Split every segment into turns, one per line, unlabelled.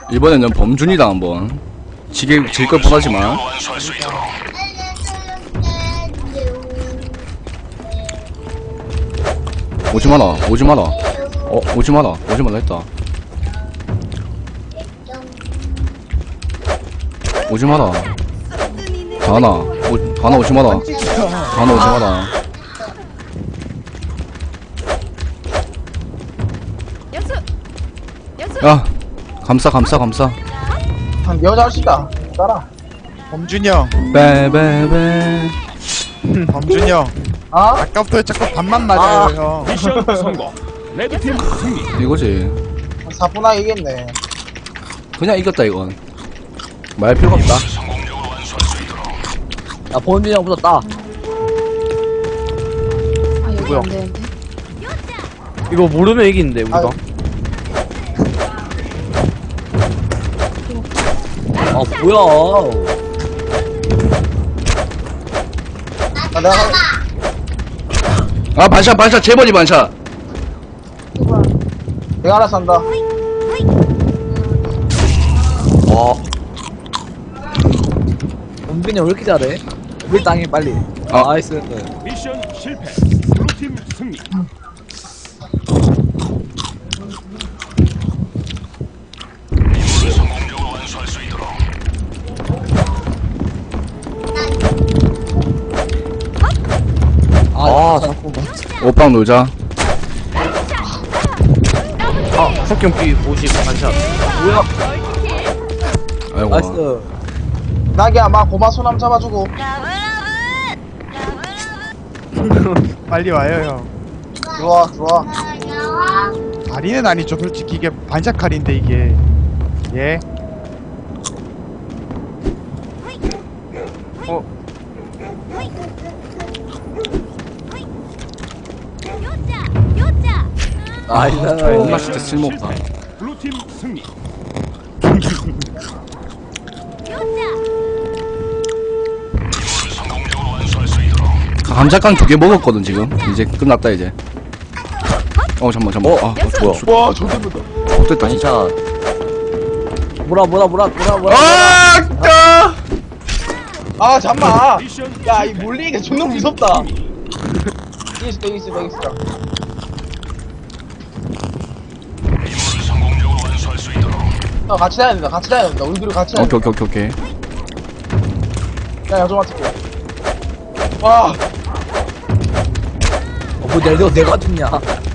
이번에는 범준이다 한번. 질걸 뻔하지만. 오지마라, 오지마라. 오지마라, 오지마라 했다. 오지마라. 다나 오지마라. 다나 오지마라. 야, 감싸.
한 여자 할수있다. 따라.
범준이 형.
빼빼빼.
범준이 형.
아?
아까부터 자꾸 반만 맞아요 형.
미션 성공. 레드팀 승리.
이거지.
사뿐하게 이겼네.
그냥 이겼다 이건. 말 필요가 없다.
야, 범준이 형 붙었다.
아 여기
뭐야?
안 되는데.
이거 모르면 이기는데, 우리가. 아, 뭐야.
아, 내가
아 반샷 제버리 반샷.
내가 알아서 한다.
와. 범준이 형 왜 이렇게 잘해? 우리 땅에 빨리.
아.
나이스.
미션 실패. 블루팀 승리.
아, 자꾸.
오빵 놀자.
아, 석경 B 50 반샷. 뭐야?
아이고.
나이스.
나기야, 막 고마 소남 잡아주고.
빨리 와요 형.
들어와.
다리는 아니죠 솔직히 이게 반샷 칼인데 이게. 예.
나이스.
존나 진짜 쓸모없다.
블루팀 승리.
감자깡 2개 먹었거든 지금. 이제 끝났다 이제. 잠만. 아, 뭐야?
와, 존댓니다.
됐다 진짜.
뭐라.
아!
아, 잠만.
미션
야, 이 몰리니까 존나 무섭다. 이겼어. 같이 다녀야 된다. 우리 둘이 같이 다녀야 된다.
오케이.
야, 좀 맞을게. 와,
뭐 내가 죽냐?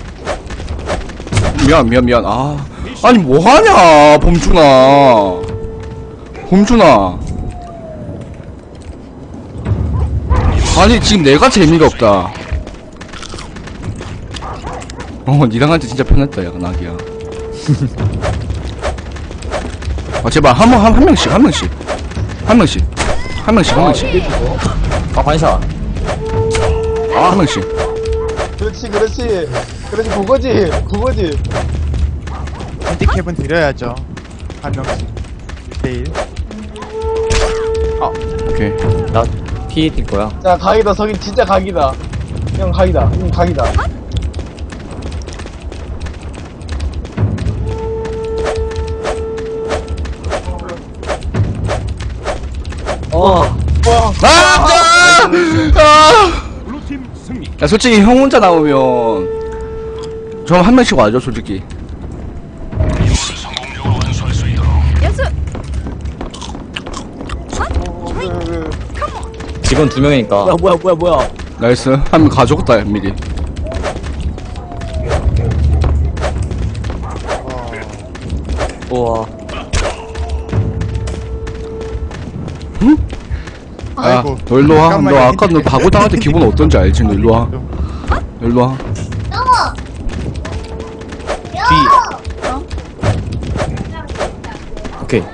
미안. 아니 뭐하냐 범준아. 아니 지금 내가 재미가 없다. 니랑 할 때 진짜 편했다 야 나기야. 아 제발 한 명씩.
아, 반샷.
한 명씩.
그렇지. 그거지.
핸디캡은 드려야죠. 한 명씩. 1대1.
오케이.
나 피해 뛸 거야.
자, 각이다. 석인 진짜 각이다. 형 각이다.
어.
블루팀 승리.
야 솔직히 형 혼자 나오면 저 한 명씩 와줘 솔직히.
직원 2명이니까. 뭐야.
나이스. 한 명 가져갔다 미리.
우와.
야,
아이고.
너 일로 와.
잠깐만요.
너 아까 너 바보 당할 때 기분 어떤지 알지? 너 일로 와.
오케이.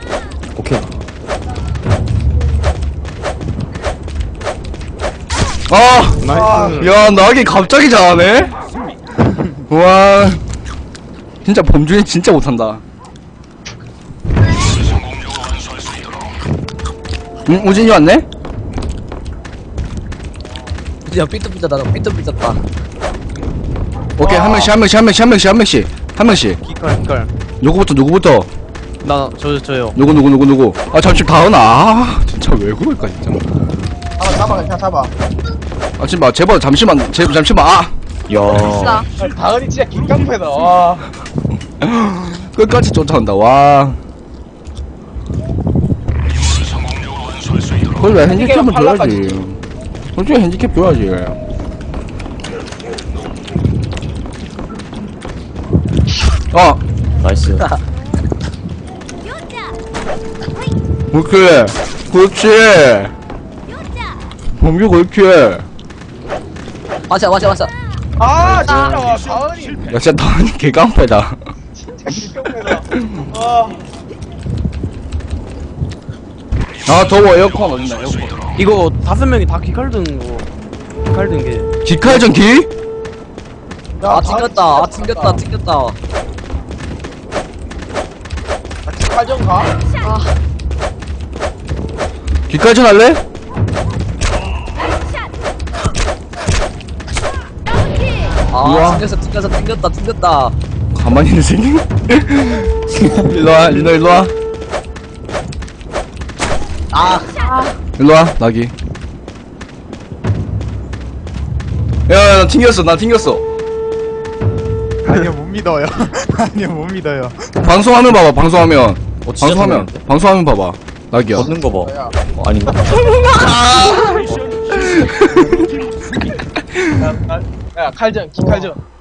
야, 나기 갑자기 잘하네? 와, 진짜 범준이 진짜 못한다. 우진이 왔네?
야, 삐뚤삐뚤다.
오케이, 한 명씩.
기걸.
누구부터?
저요.
누구 아 잠시 다은아 아, 진짜 왜 그럴까 진짜
잡아 그냥 잡아.
아 지금 제발 잠시만 아
진짜.
다은이 진짜 긴깡패다. 와.
끝까지 쫓아온다 와 그걸 왜 핸디캡을 줘야지 솔직히 핸디캡 줘야지
나이스.
그렇지 범규 그렇지
맞아.
아 진짜 다은이
야 진짜 다은이 개깡패다
진짜 긴깡패다. 와.
아 더워 에어컨 어딨나 에어컨
이거 5명이 다 기칼든 게.
기칼전 기?
야,
튕겼다.
칼전 가?
기칼전 할래? 우와.
튕겼다.
가만히 있는 새끼 일로와 일로와 일로와 나기 야 나 튕겼어
아니요 못 믿어요. 아니요 못 믿어요.
방송화면 봐봐 방송화면
진짜
방송화면
튕겼는데?
방송화면 봐봐 나기야
걷는 거 봐.
야,
아닌가?
미션 실패. 블루팀 승리.
야, 칼전, 기칼전.